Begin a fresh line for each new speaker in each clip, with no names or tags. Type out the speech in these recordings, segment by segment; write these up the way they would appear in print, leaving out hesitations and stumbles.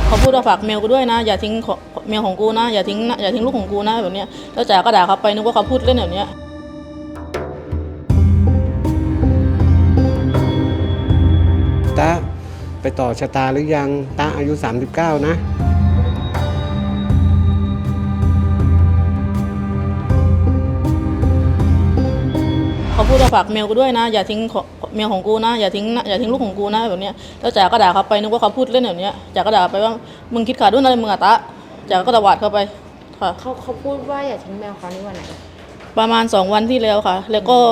เขาพูดว่าฝากเมลกูด้วยนะอย่าทิ้งเมลของกูนะอย่าทิ้งลูกของกูนะแบบเนี้ยแล้วจ๋าก็ด่าเขาไปนึกว่าเขาพูดเล่นแบบเนี้ย
ตาไปต่อชะตาหรือยังตาอายุ39นะ
เขาพูดว่าฝากเมลกูด้วยนะอย่าทิ้งเมลของกูนะอย่าทิ้งลูกของกูนะแบบเนี้ยแล้วจ๋าก็ด่าเขาไปนึกว่าเขาพูดเล่นแบบเนี้ยจ๋าก็ด่าไปว่ามึงคิดขาดด้วยอะไรมึงอะตะจ๋าก็ตวาดเข้าไปค่ะ
เขาพูดว่าอย่าทิ้งแมวเขาในวันไหน
ประมาณ2 วันที่แล้วค่ะแล้วก็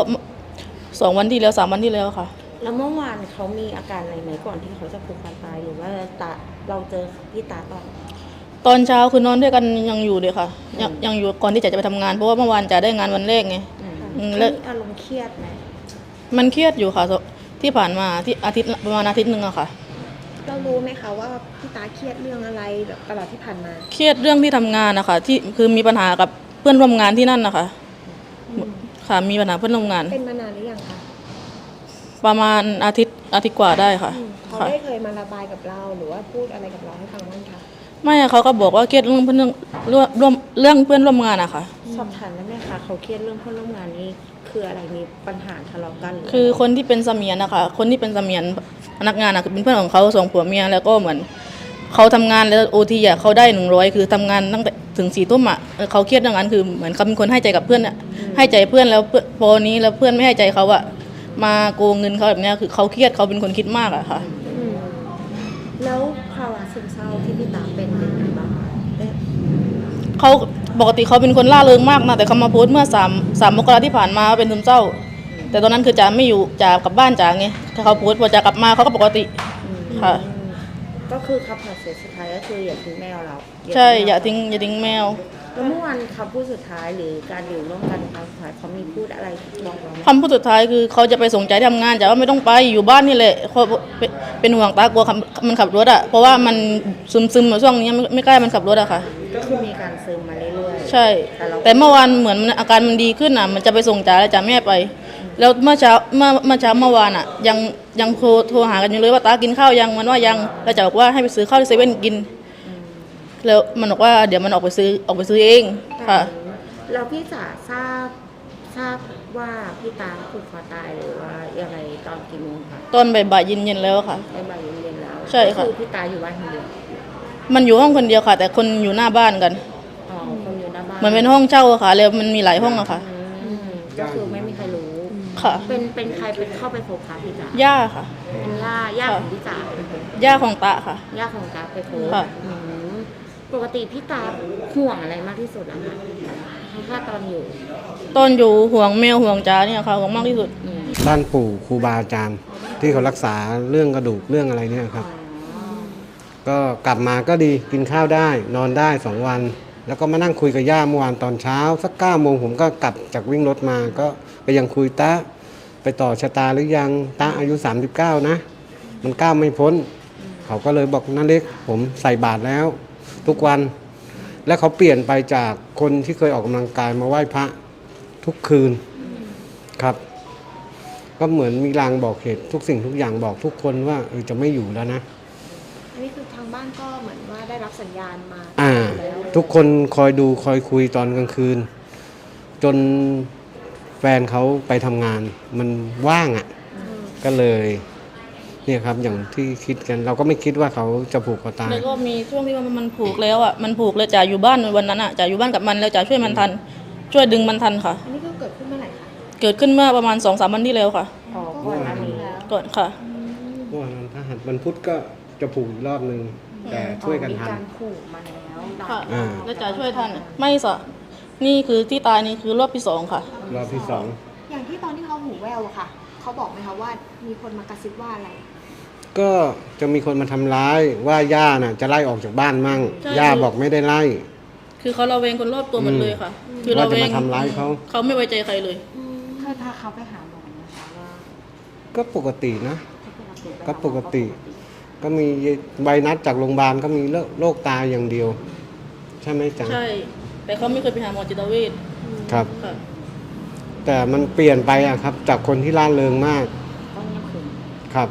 2 วันที่แล้ว3 วันที่แล้วค่ะ
แล้วเมื่อวานเขามีอาการอะไรไหมก่อนที่เขาจะผูกคอตายหรือว่าเราเจอพี่ตา
ตอนเช้าคือนอนด้วยกันยังอยู่เลยค่ะยังอยู่ก่อนที่จะไปทำงานเพราะว่าเมื่อวานจะได้งานวันแรกไง
แล้วอารมณ์เครียดไหม
มันเครียดอยู่ค่ะที่ผ่านมาที่ประมาณอาทิตย์นึงอะค่ะ
เรารู้ไหมคะว่าพี่ตาเครียดเรื่องอะไรแบบตลอดที่ผ่านมา
เครียดเรื่องที่ทำงานนะคะที่คือมีปัญหากับเพื่อนร่วมงานที่นั่นนะคะค่ะมีปัญหาเพื่อนร่วมงาน
เป็นมานานหรือยังคะ
ประมาณอาทิตย์กว่าได้ค่ะ
เขาได้เคยมาระบายกับเราหรือว่าพูดอะไรกับเราให้ฟังบ้างคะ
ไม่เขาก็บอกว่าเครียดเรื่องเพื่อนร่วมงานอะค่ะ
สอบถามได้ไหมคะเขาเครียดเรื่องเพื่อนร่วมงานนี้คืออะไรมีปัญหาทะเลาะกัน
คือคนที่เป็นเสมียนนะคะคนที่เป็นเสมียนพนักงานอะคือเป็นเพื่อนของเขา2 ผัวเมียแล้วก็เหมือนเขาทำงานแล้วโอทีอะเขาได้100คือทำงานตั้งแต่ถึง4 ทุ่มอะเขาเครียดเรื่องนั้นคือเหมือนเขาเป็นคนให้ใจกับเพื่อนอะให้ใจเพื่อนแล้วพอนี้แล้วเพื่อนไม่ให้ใจเขาอะมาโกงเงินเขาแบบนี้คือเขาเครียดเขาเป็นคนคิดมากอะค่ะ
แล้วภาวะซึมเศร้าที่พี่ตาเป็นไงบ้าง
เขาปกติเขาเป็นคนล่าเริงมากนะแต่เขามาโพสต์เมื่อ3 มกราที่ผ่านมาเป็นซึมเศร้าแต่ตอนนั้นคือจ๋าไม่อยู่จ๋ากลับบ้านจ๋าไงเขาโพสต์พอจ๋ากลับมาเขาก็ปกติค่ะ
ก็คือคำสุดท้ายก็คืออย่าทิ้งแมวเรา
ใช่อย่าทิ้งแมว
แล้วเมื่อวานคำพูดสุดท้ายหรือการอยู่ร่วมกันครั้งสุดท้ายเขามีพูดอะไรบอกเราไหม
คำพูดสุดท้ายคือเขาจะไปส่งใจทำงานจ๋าว่าไม่ต้องไปอยู่บ้านนี่แหละเขาเป็นห่วงตากลัวมันขับรถอะเพราะว่ามันซึมช่วงนี้ไม่กล้ามันขับรถอะค่ะ
ก็คือมีการซึมมาเรื่อย
ๆใช่แต่เมื่อวานเหมือนอาการมันดีขึ้นอะมันจะไปส่งจ๋าแล้วจ๋าไม่ให้ไปแล้วเมื่อเช้าเมื่อวานอะยังโทรหากันอยู่เลยว่าตากินข้าวยังมันว่ายังแล้วจ๋าบอกว่าให้ไปซื้อข้าวที่เซเว่นกินแล้วมันบอกว่าเดี๋ยวมันออกไปซื้อเองค่ะ
แล้วพี่จ๋าทราบว่าพี่ตาผูกคอตายหรือว่ายังไงตอนกี่โมงคะ
ตอนบ่ายเย็นแล้วค่ะ
บ่ายเย็นแล้ว
ใช่ค่ะ
คือพี่ตาอยู่บ้านคนเดียว
มันอยู่ห้องคนเดียวค่ะแต่คนอยู่หน้าบ้านกัน
คนอยู่หน้าบ้าน
เหมือนเป็นห้องเช่าค่ะแล้วมันมีหลายห้องอะค่ะ
ก็คือไม่มีใครรู้
ค่ะ
เป็นใครเป็นเข้าไปพบคะพี่จ๋า
ย่าค่ะ
เป็นย่าของพี่จ๋า
ย่าของตาค่ะ
ย่าของตาไปพบปกติพี่ตาห่วงอะไรมากที่สุดอะคะถ้าตอน
อยู่ห่วงแมวห่วงจ๋าเนี่ยค่ะห่วงมากที่สุด
บ้านปู่ครูบาอาจารย์ที่เขารักษาเรื่องกระดูกเรื่องอะไรเนี่ยครับก็กลับมาก็ดีกินข้าวได้นอนได้2 วันแล้วก็มานั่งคุยกับย่าเมื่อวานตอนเช้าสัก9 โมงผมก็กลับจากวิ่งรถมาก็ยังคุยตาไปต่อชะตาหรือยังตาอายุ39นะมันก้าวไม่พ้นเขาก็เลยบอกนั่นเล็กผมใส่บาตรแล้วทุกวันและเขาเปลี่ยนไปจากคนที่เคยออกกำลังกายมาไหว้พระทุกคืนครับก็เหมือนมีลางบอกเหตุทุกสิ่งทุกอย่างบอกทุกคนว่าจะไม่อยู่แล้วนะ
อันนี้คือทางบ้านก็เหมือนว่าได้รับสัญญาณมา
ทุกคนคอยดูคอยคุยตอนกลางคืนจนแฟนเขาไปทำงานมันว่างก็เลยเนี่ยครับอย่างที่คิดกันเราก็ไม่คิดว่าเขาจะผูกคอตาย
แล้วก็มีช่วงที่ว่ามันผูกแล้วมันผูกเลยจ๋าอยู่บ้านวันนั้นจ๋าอยู่บ้านกับมันแล้วจ๋าช่วยมันทันช่วยดึงมันทันค่ะ
อันนี้ก็เกิดขึ้นเมื่อไหร่คะ
เกิดขึ้นเมื่อประมาณ2-3 วันที่แล้วค่ะ
ก่อนหน้านี้แล้ว
ก่อนค่ะ
วันถ้าหัดวันพุธก็จะผูกอีกรอบนึงแต่ช่วยกันทัน
มีการผูกมาแล้ว
ค่ะแล้วจ๋าช่วยทันไม่สะนี่คือที่ตายนี่คือรอบที่2ค่ะ
รอบที่2
อย่างที่ตอนที่เขาหูแววค่ะเขาบอกไหมคะว่ามีคนมากระซิบว่าอะไร
ก็จะมีคนมาทำร้ายว่าย่าน่ะจะไล่ออกจากบ้านมั่งย่าบอกไม่ได้ไล่
คือเขาระแวงคนรอบตัวหมดเลยค่ะ
คือเราจะมาทำร้าย
เขาไม่ไว้ใจใครเลย
เคยพาเขาไปหาหมอนะคะว่า
ก็ปกตินะก็ปกติก็มีใบนัดจากโรงพยาบาลก็มีโรคตาอย่างเดียวใช่ไหมจ๊ะ
ใช่แต่เขาไม่เคยไปหาหมอจิตเวช
ครับแต่มันเปลี่ยนไปครับจากคนที่ร่าเริงมากครับ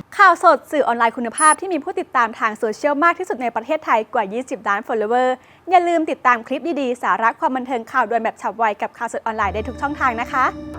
ข่าวสดสื่อออนไลน์คุณภาพที่มีผู้ติดตามทางโซเชียลมากที่สุดในประเทศไทยกว่า 20 ล้าน follower อย่าลืมติดตามคลิปดีๆ สาระความบันเทิงข่าวด่วนแบบฉับไวกับข่าวสดออนไลน์ได้ทุกช่องทางนะคะ